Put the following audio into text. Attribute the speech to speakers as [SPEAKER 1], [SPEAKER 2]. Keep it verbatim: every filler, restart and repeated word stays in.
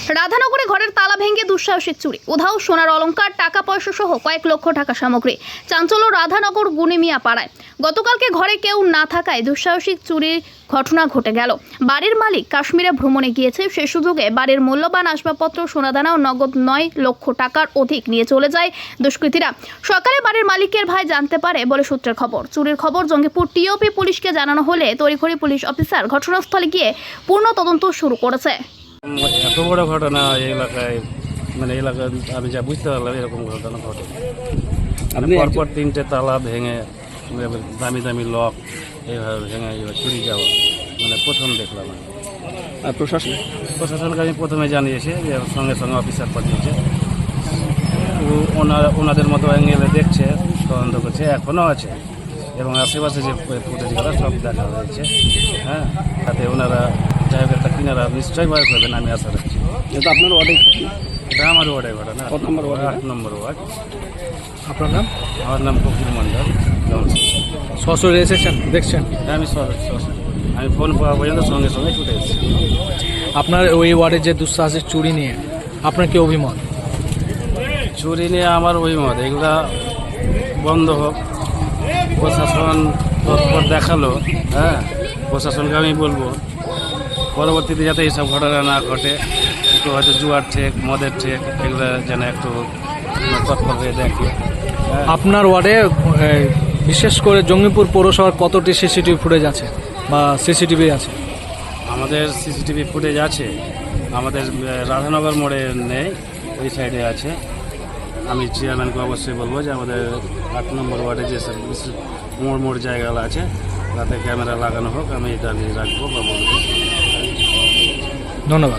[SPEAKER 1] রাধানগরে ঘরের তালা ভেঙে দুঃসাহসিক চুরি, উধাও সোনার অলংকার, টাকা পয়সা সহ কয়েক লক্ষ টাকা সামগ্রী। চাঞ্চল্য রাধানগর গুনিমিয়া পাড়ায়। গতকালকে ঘরে কেউ না থাকায় দুঃসাহসিক চুরির ঘটনা ঘটে গেল। বাড়ির মালিক কাশ্মীরে ভ্রমণে গিয়েছে, সে সুযোগে বাড়ির মূল্যবান আসবাবপত্র, সোনাদানা ও নগদ নয় লক্ষ টাকার অধিক নিয়ে চলে যায় দুষ্কৃতীরা। সকালে বাড়ির মালিকের ভাই জানতে পারে বলে সূত্রের খবর। চুরির খবর জঙ্গিপুর টিওপি পুলিশকে জানানো হলে তড়িঘড়ি পুলিশ অফিসার ঘটনাস্থলে গিয়ে পূর্ণ তদন্ত শুরু করেছে।
[SPEAKER 2] এত বড় ঘটনা এই এলাকায়, মানে এলাকায় আমি যা বুঝতে পারলাম এরকম ঘটনা ঘটে। পরপর তিনটে তালা ভেঙে, দামি দামি লক এইভাবে ভেঙে এইভাবে চুরি যাওয়া, মানে প্রথম দেখলাম।
[SPEAKER 3] আর প্রশাসন
[SPEAKER 2] প্রশাসনকে আমি প্রথমে জানিয়েছি, যে সঙ্গে সঙ্গে অফিসার পাঠিয়েছে। ওনারা ওনাদের মতো অ্যাঙ্গেলে দেখছে, তদন্ত করছে, এখনও আছে এবং আশেপাশে যে ফুটেজগুলো সব দেখা হয়েছে। হ্যাঁ, তাতে ওনারা যাই হোক একটা কিনারা নিশ্চয়ই ভয় করবেন, আমি আশা রাখছি।
[SPEAKER 3] এটা আপনার ওয়ার্ডে?
[SPEAKER 2] এটা আমার ওয়ার্ডে ঘটনা।
[SPEAKER 3] কত নম্বর ওয়ার্ড?
[SPEAKER 2] আট নম্বর ওয়ার্ড।
[SPEAKER 3] আপনার নাম?
[SPEAKER 2] আমার নাম কপিল মণ্ডল।
[SPEAKER 3] সশরীরে এসেছেন, দেখছেন?
[SPEAKER 2] হ্যাঁ, আমি স- স- আমি ফোন পাওয়া পর্যন্ত সঙ্গে সঙ্গে ছুটে এসেছি।
[SPEAKER 3] আপনার ওই ওয়ার্ডের যে দুঃসাহসিক চুরি নিয়ে আপনার কি অভিমত?
[SPEAKER 2] চুরি নিয়ে আমার অভিমত, এগুলা বন্ধ হোক। প্রশাসন তৎপর দেখালো, হ্যাঁ, প্রশাসনকে আমি বলবো পরবর্তীতে যাতে এইসব ঘটনা না ঘটে। একটু হয়তো জুয়ার ঠেক, মদের ঠেক, এগুলো যেন একটু তৎপর হয়ে দেখে। হ্যাঁ।
[SPEAKER 3] আপনার ওয়ার্ডে এ, বিশেষ করে জঙ্গিপুর পৌরসভার কতটি সিসিটিভি ফুটেজ আছে বা সিসিটিভি আছে?
[SPEAKER 2] আমাদের সিসিটিভি ফুটেজ আছে, আমাদের আহ, রাধানগর মোড়ে নেই, ওই সাইডে আছে। আমি চেয়ারম্যানকে অবশ্যই বলবো যে আমাদের আট নম্বর ওয়ার্ডে যে সব বিশেষ মোড় মোড় জায়গাগুলো আছে তাতে ক্যামেরা লাগানো হোক, আমি এটা নিয়ে রাখবো বা বলবো।
[SPEAKER 3] ধন্যবাদ।